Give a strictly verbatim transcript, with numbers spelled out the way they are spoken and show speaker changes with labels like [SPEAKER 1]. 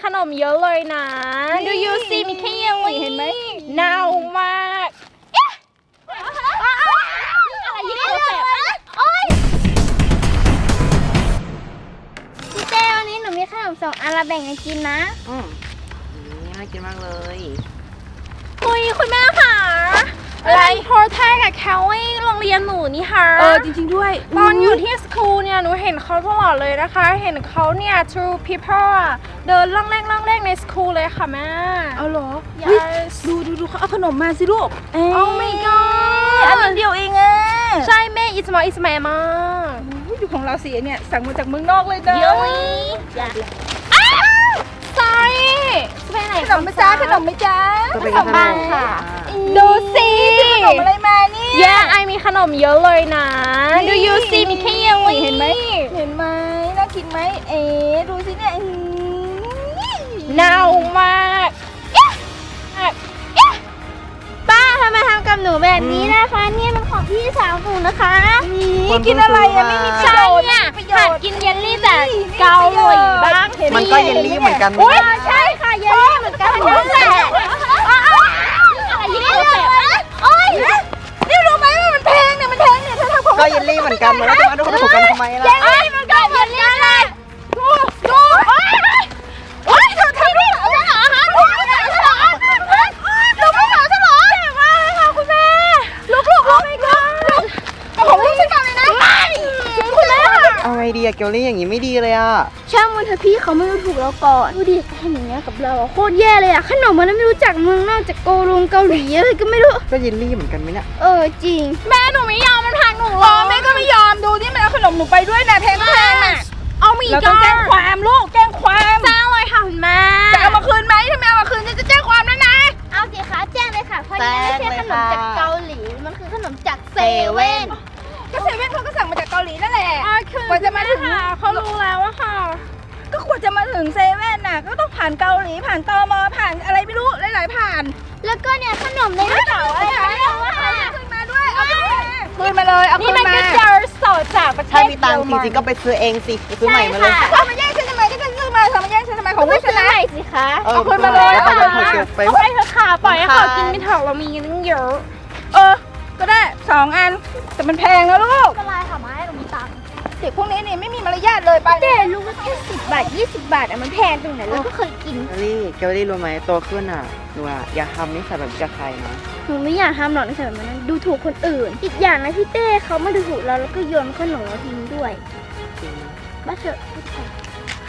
[SPEAKER 1] นมเยอะเลยนะดูยูซีมีแค่เยลลี่เห็นไหมเน่ามากอะไรยิ่งตัวแสบโอ๊ย
[SPEAKER 2] พี่เต้วันนี้หนูมีขนมสองอันละแบ่งกันกินนะ
[SPEAKER 3] อืมนี่น่ากินมากเลย
[SPEAKER 1] คุยคุณแม่ค่ะอะไรโพสแทกกับแคลลี่โรงเรียนหนูนี่ค่ะ
[SPEAKER 3] เออจริงๆด้วย
[SPEAKER 1] ตอนอยู่ที่สคูลเนี่ยหนูเห็นเขาตลอดเลยนะคะเห็นเขาเนี่ย true people อะเดินล่องแรกล่องแรกในสคูลเลยค่ะแม่
[SPEAKER 3] เอาเหรอ
[SPEAKER 1] yes
[SPEAKER 3] ดูดูดูเขาเอาขนมมาสิลูกเอ๊ะ
[SPEAKER 1] oh my god
[SPEAKER 3] อันนั้นเดียวเองอ่ะ
[SPEAKER 1] ใช่แม่อิสมาอิสมามาก
[SPEAKER 3] ดูของเราสิเนี่ยสั่งมาจากเมืองนอกเลยนะ
[SPEAKER 1] เยลลี่อ้าว sorry จะไปไหน
[SPEAKER 3] ขนมไหมจ้าขนมไหมจ้า
[SPEAKER 1] ขนมบ้างค่ะดูสิ
[SPEAKER 3] ขนมอะไรมาเนี่ย
[SPEAKER 1] แย่ไอมีขนมเยอะเลยนะดูยูซีมีแค่เยลลี่
[SPEAKER 3] เห็นไหมเห็นไหมน่ากินไหมเอ๊ดูสิเนี่ย
[SPEAKER 1] เน่ามาก
[SPEAKER 2] ป้าทำไมทำกับหนูแบบนี้นะคะนี่มันของพี่สาวหนูนะคะ
[SPEAKER 3] กินอะไรอะไม่มีประโยชน์
[SPEAKER 1] เนี่ยหัดกินเยลลี่แต่เกาหลีบ้าง
[SPEAKER 3] มันก็เยลลี่เหมือนกัน
[SPEAKER 1] อุ้ยใช่ค่ะเยลลี่เหมือนกันนั่นแหละอะไรยิ่งตัวแสบโอ๊ย
[SPEAKER 3] นี่รู้ไหมว่ามันแพงเนี่ยมันแพงเนี่ยถ้าทำของก็เยลลี่เหมือนกันแล้วจะมาดูขนมกันทำไมล่ะ
[SPEAKER 1] เยลลี่มันก็เยลลี่เลยดูดูโอ๊ยเธอทำด้วยเหรอฉันเหรอฮะลูกไม่เหรอฉันเหรอลูกไม่เหรอฉันเหรอเจ็บมากเลยค่ะคุณแม่ลูกลูกลูกไม่ก็เอาของลูกฉันก่อนเลยนะคุณแม่
[SPEAKER 3] เอาไงดีอะเกลลี่อย่างงี้ไม่ดีเลยอะ
[SPEAKER 2] ช่างมันเถอะพี่เขาไม่รู้ถูกเราก่อนดูดิทำอย่างเงี้ยกับเราโคตรแย่เลยอะขนมมันไม่รู้จักเมืองนอกจากโกลงเกาหลีอะไรก็ไม่รู้
[SPEAKER 3] ก็เยลลี่เหมือนกันไหมเนี่ย
[SPEAKER 2] เออจริง
[SPEAKER 1] แม่หนูไม่ยอมมันพังหนูหรอ
[SPEAKER 3] แม่ก็ไม่ยอมดูนี่มันเอาขนมหนูไปด้วยนะแพงแพงอะ
[SPEAKER 1] เอามี
[SPEAKER 3] เราต้องแจ้งความลูกแจ้งความ
[SPEAKER 1] แจ้งเลยค่ะคุณแม่
[SPEAKER 3] จะเอามาคืนไหมถ้าไม่เอามาคืนจะแจ้งความแล้วนะ
[SPEAKER 2] เอาสิคะแจ้งเลยค่ะเพราะนี่ไม่ใช่ขนมจากเกาหลีมันคือขนมจากเซเว่น
[SPEAKER 3] ก็เซเว่นเขาก็สั่งมาจากเกาหลีนั่นแหละ
[SPEAKER 1] กว่าจะมาถึงเขารู้แล้วอะค่ะ
[SPEAKER 3] ก็ควรจะมาถึงเซเว่นน่ะก็ต้องผ่านเกาหลีผ่านตมผ่านอะไรไม่รู้หลายๆผ่าน
[SPEAKER 2] แล้วก็เนี่ยขนมในกระเป๋าอะไร
[SPEAKER 3] ค่ะขึ้นมาด้วยเอาขึ้นมาคืนมาเลยเอาขึ้นมา
[SPEAKER 1] นี่มันก็เจอสดจากประเทศถ้ามีตังค์จริงๆก็ไปซื้อเองสิไปซื้อใหม่มาเลย
[SPEAKER 3] เธอมาแย่งฉันทำไมก็จะซื้อมาเธอมาแย่งฉันทำไมของ
[SPEAKER 2] ไม่ซื้อใหม่สิคะ
[SPEAKER 3] เอาขึ้นมาเลย
[SPEAKER 1] เอาไปเอาไปเถอะค่ะปล่อยให้เขากินไม่ถอกเรามีกันตั้งเยอะ
[SPEAKER 3] เออก็ได้สองอันแต่มันแพงนะลูก
[SPEAKER 2] ไม่เป็นไรค่ะมาให้หนูมีตังค์
[SPEAKER 3] เด็กพวกนี้นี่ไม่มีมารยาทเลยไป
[SPEAKER 2] เด็กลูกก็แค่สิบบาทยี่สิบบาทอะมันแพงตรงไหนเราก็เคยกิน
[SPEAKER 3] เกลลี่เกลลี่รู้ไหมโตขึ้นอ่ะหนูอะอย่าทำนิสัยแบบนี้กับใครนะ
[SPEAKER 2] หนูไม่อยากทำหรอกนิสัยแบบนั้นดูถูกคนอื่นอีกอย่างนะพี่เต้เขาไม่ดูถูกเราแล้วก็โยนขนมเราทิ้งด้วยบ้าเถอะ